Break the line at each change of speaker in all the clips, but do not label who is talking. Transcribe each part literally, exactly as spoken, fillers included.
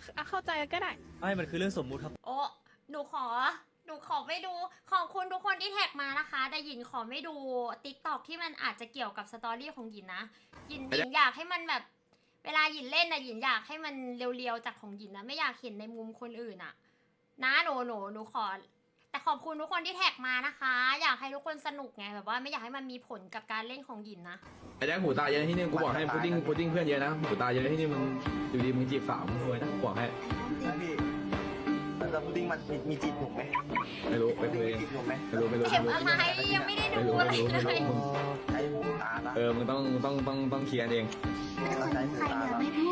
เข้าใจก็ได้
ไม่มันคือเรื่องสมมุติครับ
โอ้หนูขอ หนูขอไม่ดู ขอบคุณทุกคนที่แท็กมานะคะ แต่หยินขอไม่ดูติ๊กต็อกที่มันอาจจะเกี่ยวกับสตอรี่ของหยินนะหยินหยินอยากให้มันแบบ เวลาหยินเล่นนะหยินอยากให้มันเรียวๆจากของหยินนะ ไม่อยากเห็นในมุมคนอื่นอะนะหนูหนูหนูขอ แต่ขอบคุณทุกคนที่แท็กมานะคะ อยากให้ทุกคนสนุกไงแบบว่าไม่อยากให้มันมีผลกับการเล่นของหยินนะ
ไอ้แจ็คหูตาเยอะที่นี่กูบอกให้พุดดิ้งพุดดิ้งเพื่อนเยอะนะหูตาเยอะที่นี่มึงอยู่ดีมึงจีบสาวมึงรวยนะบอกให้
พี่แล้วพุดดิ้งมันมีมีจีบหนุ่มไหม
ไม่รู้ไป
พุด
คุ
ดิ้ง
ยเอง
มีจีบหนุ่มไหม
ไม่รู้ไม่รู้
เข็มอะไรยังไม่ได้ดูอะไรเลย
ใช้หูตาละ
เออมึงต้องต้องต้องต้องเคลียร์เอง
ต้องใช้หูตาละ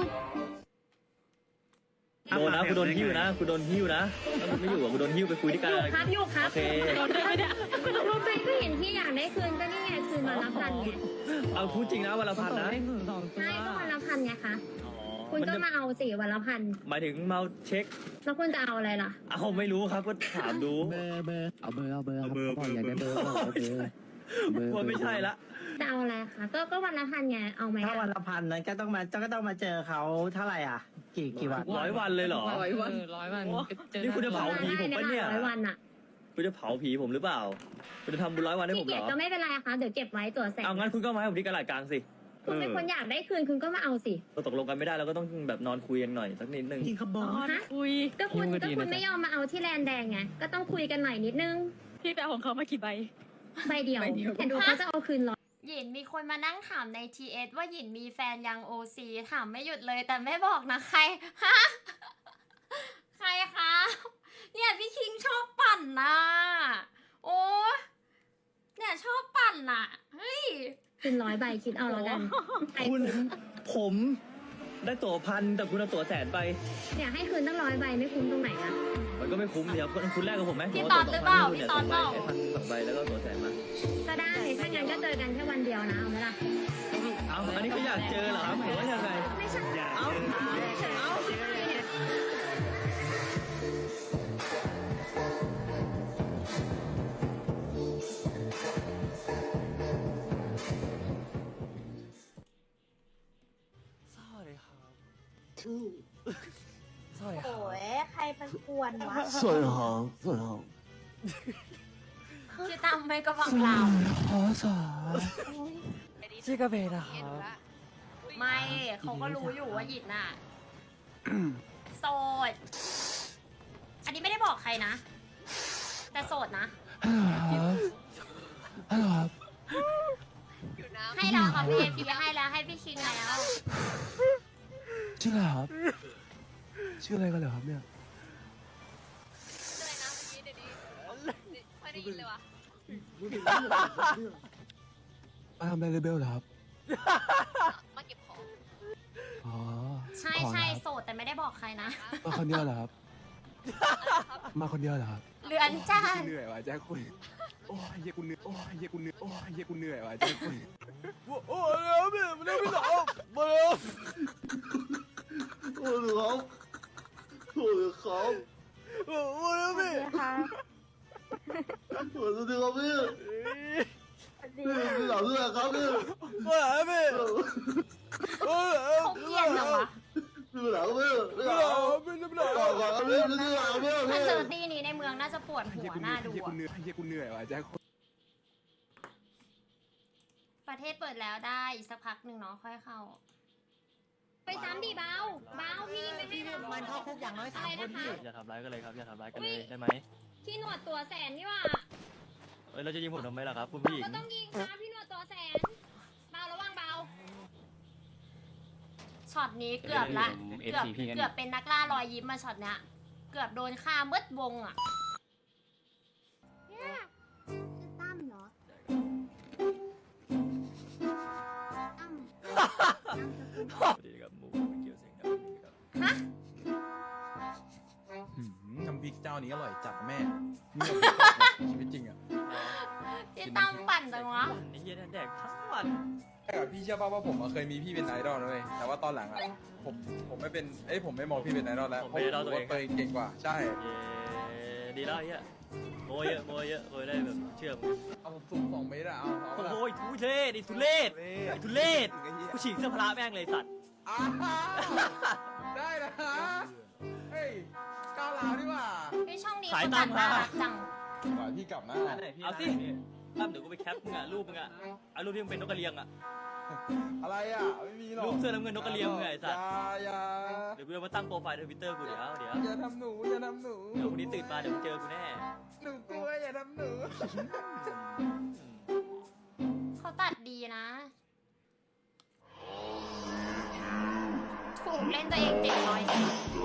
โดนนะกูโดนหิ้วนะกูโดนหิ้วนะถ้ามึงไม่อยู่อ่ะกูโดนหิ้วไปคุยที่
อ
การ
ยู่ครับอยู่ครับ
โอเค
รู้ไหมก็เห็นที่อยากได้คืนก็นี่ไงคืนวันละพันไง
เอาพูดจริงนะวันละพันนะ
ใช่ก็วันละพันไงคะ
อ๋อ
คุณ
มัน
ก็
จะ
มาเอาสิวันละพัน
หมายถึงเมาเช็ค
แล้วคุณจะเอาอะไรล่ะ
เอาไม่รู้ครับก็ถามดู
เบอร์เบอร์เอาเบอร์เอาเบอร์
เอาเบอร์
ขาบอกอยากได้เบอร์บอกเอาเบอร์เบอร์
กลัวไม่ใช่ละ
จะเอาอะไรคะก็ก็วันละพันไงเอาไหม
ถ้าวันละพันนั้นก็ต้องมาก็ต้องมาเจอเขาเท่าไหร่อ่ะ กี่กี่วัน
ร้อยวันเลยเหรอ
ร้อยวันร้อยวัน
โอ้นี่คุณจะเผาผีผมปะเนี่ย
ร้อยวันอ่ะ
คุณจะเผาผีผมหรือเปล่าคุณจะทำบุญร้อยวันให้ผ
พี่
มเห
เกี
ร
ยร
อ
ก็ไม่เป็นไรค่ะเดี๋ยวเก็บไว้ตัวแสน
เอางั้นคุณก็มาให้ผมที่กระดาษกลางสิ
คุณเป็นคนอยากได้คืนคุณก็มาเอาสิ
เราตกลงกันไม่ได้เราก็ต้องแบบนอนคุยกันหน่อยสักนิดนึง
จริงครับบอส
ฮะก็คุณก็คุณไม่ยอมมาเอาที่แลนแดงไงก็ต้องคุยกันหน่อยนิดนึง
พี่ไปเอาของเขามากี่ใบ
ใบเดียวแต่ดูเขาจะเอาคืนร้อยหยินมีคนมานั่งถามใน ที เอส ว่าหยินมีแฟนยัง โอ ซี ถามไม่หยุดเลยแต่ไม่บอกนะใครฮะใครคะเนี่ยพี่คิงชอบปั่นนะโอ้เนี่ยชอบปั่นน่ะเฮ้ยคืนร้อยใบคิดเอาแล้วกัน
คุณผมได้ตั๋วพันแต่คุณเอาตั๋วแสนไป
เนี่ยให้คืนตั้งร้อยใบไม่คุ้มตรงไหนอะ
มันก็ไม่คุ้มเดี๋ยวคุณคุณแรกกับผมไหม
พี่ตอดหรือเปล่าพี่ตอดเปล่า
พันสองใบแล้วก็ตั๋วแสนมา
ก็ได้ถ้างั้นก็เจอกันแค่วันเดียวนะเอาไหมล่ะ
เอาอันนี้ก็อยากเจอเหรอครับหรือว่ายังไง
ไม่ใช่
เอา
เอาเนี่ย
สวัสดีครับ
โอ้ยใครเป็นกวนวะ
สวยหอมสวยหอม
ชื่อตั้มไม่ก็ฟังเรา
ขอสาชื่อกระเบนนะครับ
ไม่เขาก็รู้อยู่ว่าหยินน่ะโสด อันนี้ไม่ได้บอกใครนะ แต่โสดนะ
ฮัลโหลครับ
ให้เราค่ะพี่พี่ให้แล้วให้พี่คิงแล้ว
ชื่ออะไรครับ ชื่ออะไรกันเหรอครับเนี่ย
ไม่ได้ยินเลยวะ
มาทำอะไรเลเบลเหรอครับ
มาเก็บของ
อ๋อ
ใช่
ขอ
ใช่
นะครับ
โสดแต่ไม่ได้บอกใครนะ
มาคนเดียวเหรอครับ มาคนเดียวเหรอครับ
เรือนจ้า
เหนื่อยว่ะแจ็คคุยโอ้ยเฮียกูเหนื่อยโอ้ยเฮียกูเหนื่อยโอ้ยเฮียกูเหนื่อยว่ะแจ็คคุยโอ้ยแล้วพี่มันไม่หลับมาแล้ว
โอ้ยครับโอ้ยครับ
โอ้ยแล้วพี่
ค่ะ
โอ้ยสวัสดีครับพี่
สวัสดี
พี่พี่หลับด้วยครับพี่
มาแล้วพี่โอ้ย
เขาเกลียดเหรอวะ
พี่หลับพี่พี่
ไม่
ห
ห
ลั
ลั
บบ
พี่ไม่หลับ
หลับก่อนครับพี่พี่หลับพี่
ถ้า
พี่
เจอตีนี้ในเมืองน่าจะปวดหัวหน้าดู
เฮียกู
อะ
เหนื่อยเฮียกูเหนื่อยว่ะแจ็คคุย
ประเทศเปิดแล้วได้อีกสักพักหนึ่งเนาะค่อยเข้า ไปซ้ำดิเบาเบาพี่ไม่ให้เรามันเข้าคุกอย่างน้อยสามคนพี่
อย่าทำร้ายกันเลยครับอย่าทำร้ายกันเลยได้ไหม
พี่หนวดตัวแสนนี่ว่า
เอ้ยเราจะยิงผมทำไมล่ะครับคุณผู้หญิง
ก็ต้องยิงนะพี่หนวดตัวแสนเบาระวังเบาช็อตนี้เกือบละเกือบเกือบเป็นนักล่ารอยยิ้มมาช็อตเนี้ยเกือบโดนฆ่ามืดวงอ่ะ
เนี่ยชื่อตั้มเหรอตั้ม
สวัสดีครับหมูไม่เกี่ยวเสียงดังครับ
ฮะ
น้ำพริกเจ้านี้อร่อยจัดแม่ชีวิตจริงอ่ะ
พี่ตั้มปั่นจังวะ
ไอ้เหี้ยนั่นแดกทั้งวัน
แต่พี่เชื่อป่าวว่าผมเคยมีพี่เป็นไอดอลนะเว้ยแต่ว่าตอนหลังอ่ะผมผมไม่เป็นเอ้ยผมไม่มองพี่เป็นไอดอลแล้วเพราะผมรู้ว่าตัวเองเก่งกว่าใช่
เย้ดีแล้วไอ้เหี้ยโมยเยอะโมยเยอะโมยได้แบบเชื่อม
เอาสูงสองเมตรอะเอาเอา
โอ้ยทุเรศไอ้ทุเรศไอ้ทุเรศกูฉีกเสื้อพละแม่งเลยสัตว์
อ่าได้นะ
ขาย
คุณ
ตั้
ตั
ม
ด
มา
น่ารักจัง
พี่กลับนะ
เอาสิตั้มเดี๋ยวกูไปแคปมึงอะรูปมึงอะเอารูปที่มึงเป็นนกกระเรียงอะ
อะไรอ่ะไม่มีหรอก
รูปเสื้อน้ำเงินนกกระเรียงมึงไงไอ้สัตว์
อย่า
เดี๋ยวกูจะมาตั้งโปรไฟล์ทวิตเตอร์กูเดี๋ยวเดี๋ยว
อย่าทำหนูอย่าทำหนู
เดี๋ยววันนี้ตื่นมาเดี๋ยวมึงเจอกูแน่
หนูกลัวอย่าทำหนู
เขาตัดดีนะ ถูกเล่นตัวเองเจ็ดร้อยสิ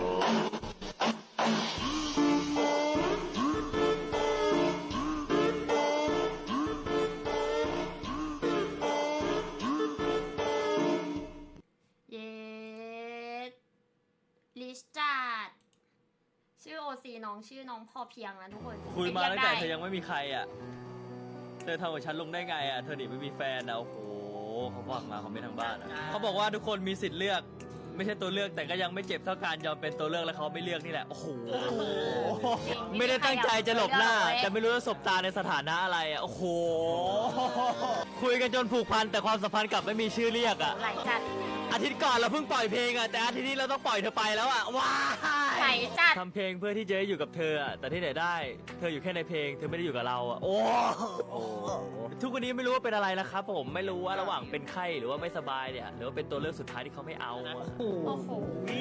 เย็ดลิชจาร์ดชื่อโอซีน้องชื่อน้องพอเพียงนะทุกคน
คุยมาตั้งแต่
รีก
เธ
ได้
อยังไม่มีใครอะเธอทำกับฉันลงได้ไงอะเธอหนีไม่มีแฟนนะโอ้โหเขาบอกมาเขาไม่ทางบ้านอะเขาบอกว่าทุกคนมีสิทธิ์เลือก ไม่ใช่ตัวเลือกแต่ก็ยังไม่เจ็บเท่าการยอมเป็นตัวเลือกแล้วเขาไม่เลือกนี่แหละโอ้โหไม่ได้ตั้งใจจะหลบหน้าแต่ไม่รู้จะสบตาในสถานะอะไรอะโอ้โหคุยกันจนผูกพันแต่ความสัมพันธ์กลับไม่มีชื่อเรียกอะ
ไหลจัด
อาทิตย์ก่อนเราเพิ่งปล่อยเพลงอะแต่อาทิตย์นี้เราต้องปล่อยเธอไปแล้วอะว้า
ไหล
ย
จัด
ทำเพลงเพื่อที่จะได้อยู่กับเธออะแต่ที่ไหนได้ เธออยู่แค่ในเพลงเธอไม่ได้อยู่กับเราอะโอ้โหทุกวันนี้ไม่รู้ว่าเป็นอะไรนะครับผมไม่รู้ว่าระหว่างเป็นไข้หรือว่าไม่สบายเนี่ยหรือว่าเป็นตัวเลือกสุดท้ายที่เขาไม่เอาอะ
โอ้โห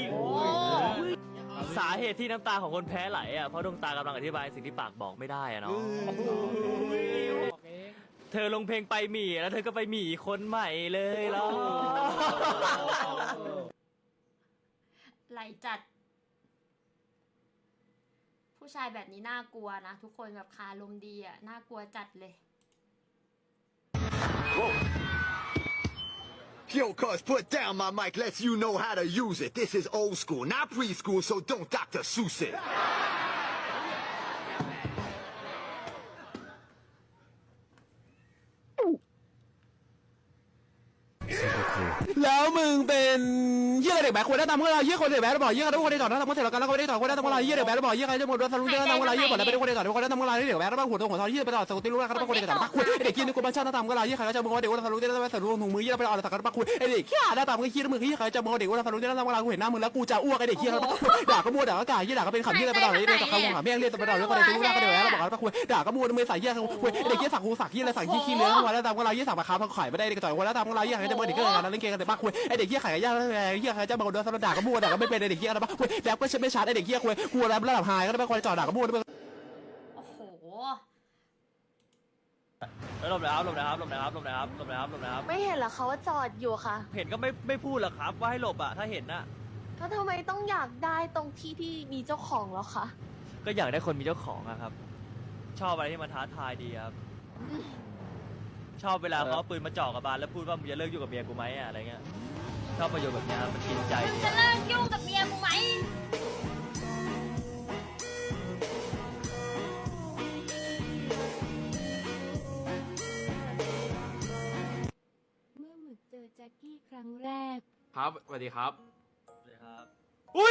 สาเหตุที่น้ำตาของคนแพ้ไหลอะเพราะดวงตากำลังอธิบายสิ่งที่ปากบอกไม่ได้อะเนาะเธอลงเพลงไปหมี่แล้วเธอก็ไปหมี่คนใหม่เลยแล้ว
ไหลจัด ผู้ชายแบบนี้น่ากลัวนะ ทุกคนแบบคาลมดีอ่ะ น่ากลัวจัดเลย
Yo, cuz, put down my mic, lets you know how to use it. This is old school, not preschool, so don't Doctor Seuss it.
แล้วมึงเป็นเหี้ยอะไรเด็กแบกควรได้ตามพวกเราเหี้ยคนเด็กแบกบอกเหี้ยทุกคนได้ต่อหน้าตามพวกเสร็จแล้วกันแล้วก็ไม่ได้ต่อคนได้ตามพวกเราเหี้ยเด็กแบกบอกเหี้ยใครจะหมดด้วยสรุปเรื่องตามพวกเราเหี้ยหมดแล้วไม่ได้คนได้ต่อทุกคนได้ตามพวกเราเด็กแบกแล้วหัวตรงหัวทองเหี้ยไปต่อสกุลที่รู้แล้วครับคนได้ต่อปักคุยเด็กกินในกลุ่มบ้านชาติตามพวกเราเหี้ยใครจะมึงว่าเด็กว่าสรุปได้แล้วสรุปถุงมือเหี้ยไปต่อสักการปักคุยไอเด็กขี้หน้าตามก็ขี้มึงเหี้ยใครจะมึงว่าเด็กว่าสรุปได้แล้วตามพวกเรากูเห็นหน้ามึงแล้วกูจะอ้วกไอเด็กขี้ด่าก็มัวด่าก็กายเหี้ยด่าก็เป็นขำเหี้ยไปต่อเลยเด็กขำขำแม่งเรียกไปต่อแล้วก็ได้รู้แล้วก็เด็กแล้วบอกปักคุยด่าก็มัวมือใส่เหี้ยคุยเด็กขี้สักกูสักเหี้ยอะไรสักขี้ขี้เนื้อวันแล้วตามพวกเราเหี้ยสักมาค้าพังขายไม่ได้เด็กต่อยวันแล้วตามพวกเราเหี้ยใครจะมึงเด็กก็งานเล่นเกมกันแต่ปักคุยไอเด็กขี้ขายย่าเหี้ยใครจะมึงโดนสรุปด่าก็มัวด่าก็ไม่เป็นไอเด็กขี้อะไรปักคุยแล้วก็ไม่ชัดไอเด็กขี้คุยกูแล้วระดับไฮก็ได้ไปคนจ่อด่าก็มัว
โอ้โห
หลบนะครับหลบนะครับหลบนะครับหลบนะครับหลบนะครับหลบนะครับ
ไม่เห็นเหรอคะว่าจอดอยู่ค่ะ
เห็นก็ไม่ไม่พูดหรอกครับว่าให้หลบอะถ้าเห็นน่ะ
แล้วทำไมต้องอยากได้ตรงที่ที่มีเจ้าของแล้วคะ
ก็อยากได้คนมีเจ้าของอะครับ ชอบอะไรที่มันท้าทายดีครับ ชอบเวลาเขาเอาปืนมาจ่อกับบานแล้วพูดว่ามึงจะเลิกอยู่กับเมียกูไหมอะอะไรเงี้ยชอบประโยชน์แบบเนี้ยครับมันกินใจ
มึง
ดี
จะเลิกยุ่งกับเมียกูไหม
เมื่อหมึกเจอแจ็คกี้ครั้งแรก
ครับสวัสดีครับ
เลยครับอุ้ย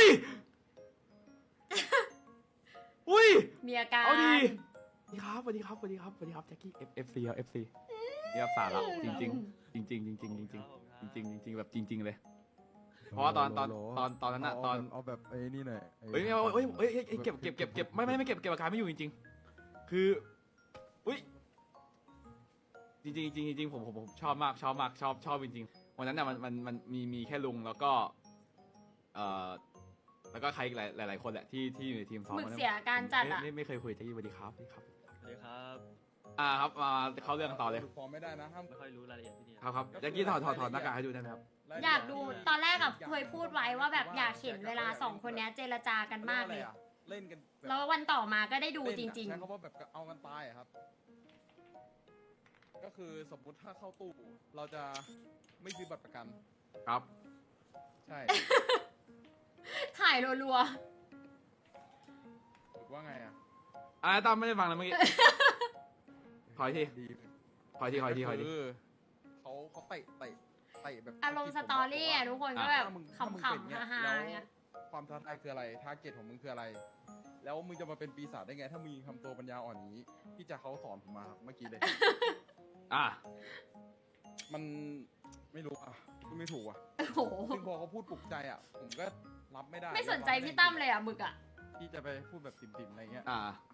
อุ้ย
มีอาการ
เอาดี
สวัสดีครับสวัสดีครับสวัสดีครับสวัสดีครับแจ็คกี้ F F C ครับ F C นี่ครับสาระจริงจริงจริงจริงจริงจริงจริงจริงจริงจริงแบบจริง ๆ เลย เพราะว่าตอนตอนตอนตอนนั้นอะตอน
เอาแบบไอ้นี่หน่อย
เฮ้ยไม่เอาเฮ้ยเฮ้ยเฮ้ยเก็บเก็บเก็บเก็บไม่ไม่ไม่เก็บเก็บอาการไม่อยู่จริงๆคืออุ้ยจริงจริงจริงจริงผมผมผมชอบมากชอบมากชอบชอบจริงๆวันนั้นน่ะมันมันมันมีมีแค่ลุงแล้วก็เอ่อแล้วก็ใครหลายหลายหลายคนแหละที่ที่อยู่ในทีมซ้อม
หมึกเสียอาการจัดอะ
ไม่ไม่เคยคุยแจ็คกี้สวัสดีครับสวัสดีครับ
เลยครับ
อ่าครับมาเข้าเรื่องกันต่อเลย
ฟอร์มไม่ได้นะห้าม
ไม่ค่อยรู้รายละเอียดที่นี่
ครับครับแจ็คกี้ถอดถอดถอดหน้ากากให้ดูได้ไหมครับ
อยากดูตอนแรกกับเคยพูดไว้ว่าแบบอยากเห็นเวลาสองคนเนี้ยเจรจากันมากเลย
เล่นกัน
แล้ววันต่อมาก็ได้ดูจริง
ใช้คำว่าแบบเอากันตายอะครับ ก็คือสมมติถ้าเข้าตู้เราจะไม่ซื้อบัตรประกัน
ครับ
ใช่
ๆ ถ่ายรัว
หรือว่าไงอ่ะ
อ่าตั้มไม่ได้ฟังเลยเมื่อกี้ ถอยที
ดี
ถอยทีถอยทีถอยที
คือเขาเขาเตะเตะเตะแบบ
ๆ อารมณ์สตอรี่อะทุกคนก็แบบขำๆฮาๆ
เนี่
เนี่ย ย
ความท้าทายคืออะไรทาร์เก็ตของมึงคืออะไร แล้วมึงจะมาเป็นปีศาจได้ไง ถ้ามึงทำตัวปัญญาอ่อนอย่างนี้พี่จะเขาสอนผมมาครับเมื่อกี้เลย
อ่ะ
มันไม่รู้อ่ะพูดไม่ถูกอ่ะ
โอ้โห
ซึ่งพอเขาพูดปลุกใจอ่ะ ผมก็รับไม่ได้
ไม่สนใจพี่ตั้มเลยอ่ะหมึกอ่ะ
พี่จะไปพูดแบบติ่มๆอะไรเงี้ย
อ่า